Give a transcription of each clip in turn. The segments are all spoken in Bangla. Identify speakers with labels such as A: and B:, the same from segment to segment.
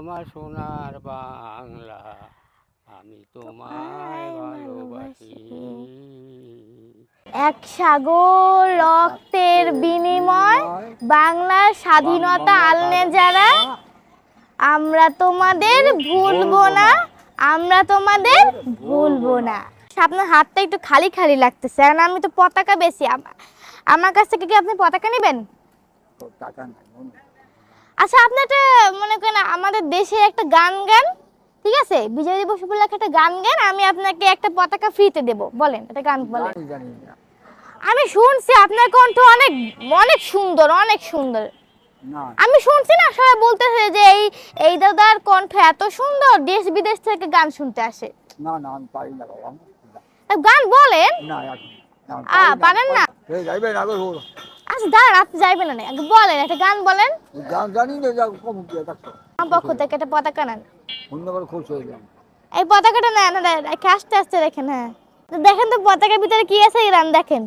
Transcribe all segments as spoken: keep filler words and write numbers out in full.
A: আমার সোনার বাংলা, আমি তোমায় ভালোবাসি।
B: এক সাগর রক্তের বিনিময় বাংলার স্বাধীনতা আনলে যারা, আমরা তোমাদের ভুলবো না, আমরা তোমাদের ভুলবো না। আপনার হাতটা একটু খালি খালি লাগতেছে, কারণ আমি তো পতাকা বেশি। আমার কাছ থেকে কি আপনি পতাকা নেবেন? আচ্ছা, আপনি একটা মনে করেন আমাদের দেশে একটা গান গান, ঠিক আছে? বিজয় দিবস উপলক্ষে একটা গান গান, আমি আপনাকে একটা পতাকা ফ্রিতে দেব। বলেন একটা গান বলেন। আমি শুনছি আপনার কণ্ঠ অনেক অনেক সুন্দর, অনেক সুন্দর। আমি শুনছি না, সবাই বলতেছে যে এই এই দাদার কণ্ঠ এত সুন্দর, দেশ বিদেশ থেকে গান শুনতে আসে।
C: না না আমি পারি না বাবা।
B: গান বলেন
C: না
B: আ পারেন না?
C: এই যাইবেন আগে বল।
B: আচ্ছা দাঁড়ান, আপনি যাইবেন না, আগে বলেন একটা গান বলেন।
C: গান জানি না, যা কম কি দেখো।
B: আমার পক্ষ থেকে একটা পতাকা নেন।
C: অন্যবার খুশ হয়ে যান।
B: এই পতাকাটা নেন, রেখে আস্তে আস্তে দেখেন। হ্যাঁ দেখেন তো পতাকার ভিতরে কি আছে, গান দেখেন।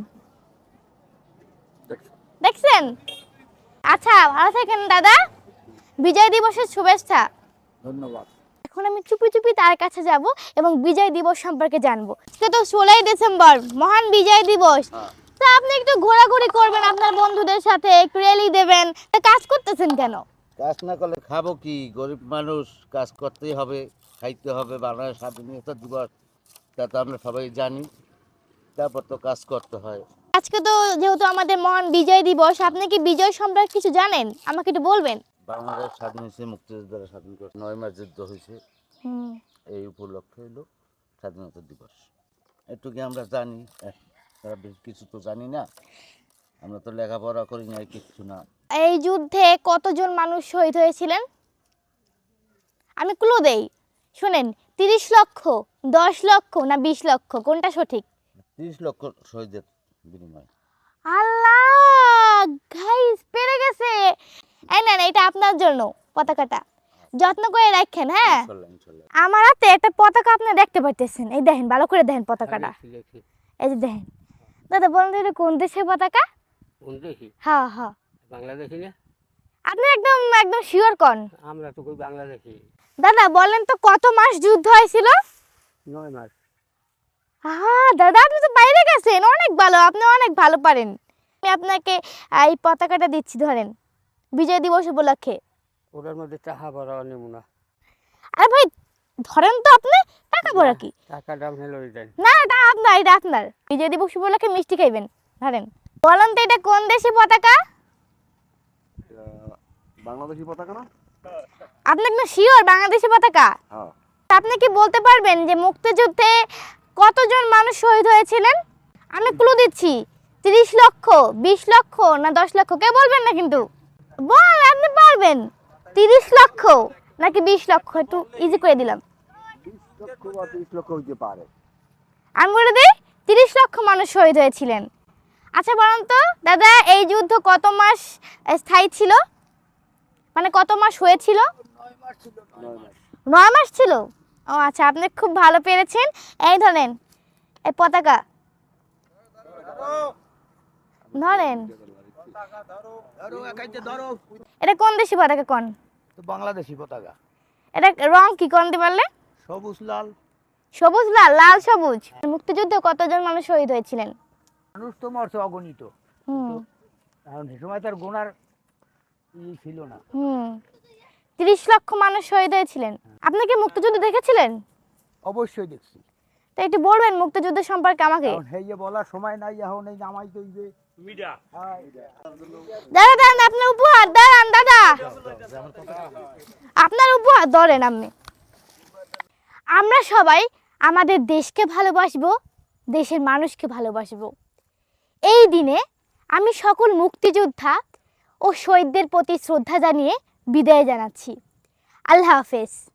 B: দেখছেন? আচ্ছা ভালো থাকেন দাদা, বিজয় দিবসের শুভেচ্ছা।
C: ধন্যবাদ।
B: এখন আমি চুপি চুপি তার কাছে যাব এবং বিজয় দিবস সম্পর্কে জানবো। আজকে তো ষোলোই ডিসেম্বর, মহান বিজয় দিবস। তা আপনি একটু ঘোরাঘুরি করবেন আপনার বন্ধুদের সাথে, একটু র্যালি দেবেন, তা কাজ করতেছেন কেন?
D: কাজ না করলে খাবো কি? গরিব মানুষ, কাজ করতেই হবে, খাইতে হবে। বাংলাদেশ স্বাধীনতা দিবস, তা তো আমরা সবাই জানি, তারপর তো কাজ করতে হয়।
B: আজকে তো যেহেতু আমাদের মহান বিজয় দিবস, আপনি কি বিজয় সম্পর্কে কিছু জানেন? আমাকে একটু বলবেন।
D: বাংলাদেশ স্বাধীন হয়েছে মুক্তিযোদ্ধারা স্বাধীন করছে, নয় মাস যুদ্ধ হয়েছে, এই উপলক্ষে হলো স্বাধীনতা দিবস। একটু কি আমরা জানি, তারা বেশি কিছু তো জানি না, আমরা তো লেখাপড়া করি না, কিছু না।
B: এই যুদ্ধে কতজন মানুষ শহীদ হয়েছিলেন? আমি ক্লু দেই, শুনেন। তিরিশ লক্ষ, দশ লক্ষ না বিশ লক্ষ, কোনটা সঠিক?
D: তিরিশ লক্ষ শহীদের বিনিময়।
B: আল্লাহ, গাইস পেরে গেছে। এই নেন, এটা আপনার জন্য পতাকাটা, যত্ন করে রাখেন। হ্যাঁ, আমার হাতে একটা পতাকা আপনি দেখতে পাইতেছেন, এই দেখেন, ভালো করে দেখেন পতাকাটা, এই যে দেখেন। দাদা বলেন তো এটা কোন দেশের পতাকা?
A: কোন দেশি?
B: হ্যাঁ হ্যাঁ,
A: বাংলাদেশি না?
B: আপনি একদম একদম শিওর কোন?
A: আমরা তো কই বাংলাদেশি।
B: দাদা বলেন তো কত মাস যুদ্ধ হয়েছিল?
A: নয় মাস।
B: হ্যাঁ দাদা, আপনি তো বাইরে গেছেন, অনেক ভালো, আপনি অনেক ভালো পারেন। আমি আপনাকে এই পতাকাটা দিচ্ছি, ধরেন, বিজয় দিবস উপলক্ষে।
A: ওটার মধ্যে টাকা ভরা নমুনা।
B: আরে ভাই ধরেন তো, আপনি টাকা ভরা কি?
A: টাকাটা আপনি লই দেন।
B: না, এটা আপনার, এটা আপনার। বিজয় দিবস উপলক্ষে মিষ্টি খাইবেন, ধরেন। বলেন তো এটা কোন দেশি পতাকা?
C: বাংলাদেশি পতাকা না?
B: আপনি একদম শিওর বাংলাদেশি পতাকা?
C: হ্যাঁ।
B: আপনি কি বলতে পারবেন যে মুক্তিযুদ্ধে কতজন মানুষ শহীদ হয়েছিলেন? আমি ক্লু দিচ্ছি, তিরিশ লক্ষ, বিশ লক্ষ না দশ লক্ষ? কে বলবেন না কিন্তু, বল আপনি পারবেন। তিরিশ লক্ষ নাকি বিশ লক্ষ? একটু ইজি করে দিলাম।
C: বিশ লক্ষ বা তিরিশ লক্ষ হইতে পারে।
B: আমি বলে দিই, তিরিশ লক্ষ মানুষ শহীদ হয়েছিলেন। আচ্ছা বলেন তো দাদা, এই যুদ্ধ কত মাস স্থায়ী ছিল, মানে কত মাস হয়েছিল? নয় মাস ছিল। ও আচ্ছা, আপনি খুব ভালো পেরেছেন। এই ধরেন এই পতাকা, ধরেন। এটা কোন দেশি পতাকা কোন?
C: তো বাংলাদেশি পতাকা।
B: এটা রং কি কোনতে পারলে?
C: সবুজ লাল।
B: সবুজ লাল, লাল সবুজ। মুক্তিযুদ্ধে কতজন মানুষ শহীদ হয়েছিলেন?
C: মানুষ তো মরছে অগণিত,
B: হুম
C: কারণ সে সময় তার গোনার ই ছিল না।
B: হুম তিরিশ লক্ষ মানুষ শহীদ হয়েছিলেন। আপনি কি মুক্তিযুদ্ধ দেখেছিলেন?
C: অবশ্যই দেখছি।
B: তো একটু বলবেন মুক্তিযুদ্ধ সম্পর্কে আমাকে।
C: কারণ হেই যে বলার সময় নাই, এখন এই জামাই তো যে মিডা।
B: দাদা দাদা, আপনার উপহার দাঁড়ান দাদা, আপনার উপহার ধরেন আপনি। আমরা সবাই আমাদের দেশকে ভালোবাসবো, দেশের মানুষকে ভালোবাসবো। এই দিনে আমি সকল মুক্তিযোদ্ধা ও শহীদদের প্রতি শ্রদ্ধা জানিয়ে বিদায় জানাচ্ছি। আল্লাহ হাফেজ।